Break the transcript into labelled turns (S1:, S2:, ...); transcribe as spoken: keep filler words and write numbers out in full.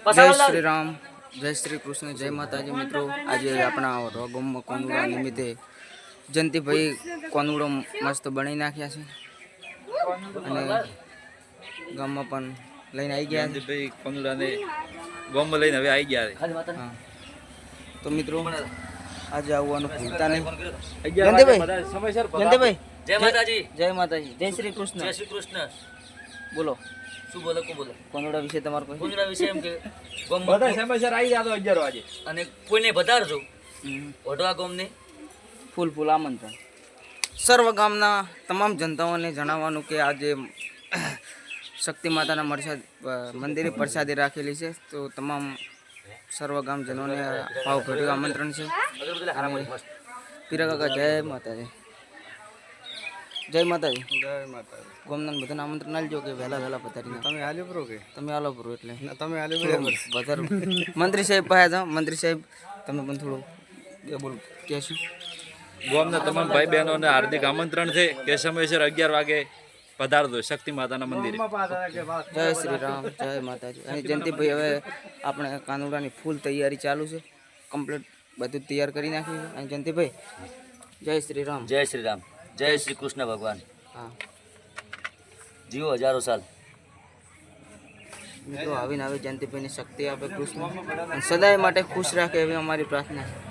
S1: જય શ્રી રામ, જય શ્રી કૃષ્ણ, જય માતાજી મિત્રો. આજે આપણા રોગમમાં કોનુડા નિમિત્તે જયંતિભાઈ કોનુડો મસ્ત બનાવી નાખ્યા છે અને ગામમાં પણ લઈને આવી ગયા છે.
S2: ભાઈ કોનુડાને ગામમાં લઈને હવે આવી ગયા છે.
S1: હા તો મિત્રો આજે આવવાનું ભૂલતા નહીં. જયંતિભાઈ, જયંતિભાઈ,
S3: જય માતાજી,
S1: જય માતાજી, જય શ્રી કૃષ્ણ.
S3: જય શ્રી કૃષ્ણ.
S1: બોલો,
S3: શું બોલો કો બોલો
S1: કોનુડા વિશે તમારું કોઈ?
S3: કોનુડા વિશે એમ કે ગામ
S2: બધા સમયસર આવી જાતો અગિયાર વાગે
S3: અને કોઈને વધારજો
S1: હમ.
S3: વઢવા ગામને
S1: ફૂલ ફૂલ આમંત્રણ. સર્વ ગામના તમામ જનતાઓને જણાવવાનું કે આજે શક્તિ માતાના મરસાદ મંદિરે પ્રસાદી રાખેલી છે, તો તમામ સર્વ ગામજનોને ભાવભર્યું આમંત્રણ છે. અને પીરા કાકા જય માતાજી, જય માતાજી.
S2: જય માતા.
S1: ગામના બધાને આમંત્રણ આલજો કે વહેલા વહેલા પધારીને
S2: તમે હાલ્યો પ્રો કે
S1: તમે આલો પૂરો એટલે
S2: તમે હાલ્યો બરાબર.
S1: વધારે મંત્રી સાહેબ પાસે જાઓ. મંત્રી સાહેબ તમે પણ થોડું બોલ કહેશું.
S2: ગામના તમામ ભાઈ બહેનોને હાર્દિક આમંત્રણ છે કે સમયસર અગિયાર વાગે પધારજો શક્તિ માતાના મંદિરે.
S1: જય શ્રી રામ, જય માતાજી. અને જયંતિભાઈ હવે આપણે કાનુડાની ફૂલ તૈયારી ચાલુ છે, કમ્પ્લીટ બધું તૈયાર કરી નાખ્યું છે. અને જયંતિભાઈ જય શ્રી રામ.
S3: જય શ્રી રામ, જય શ્રી કૃષ્ણ ભગવાન.
S1: હા
S3: જીવો હજારો સાલ.
S1: મિત્રો આવીને આવી જયંતિભાઈને શક્તિ આપે કૃષ્ણ અને સદાય માટે ખુશ રાખે એવી અમારી પ્રાર્થના છે.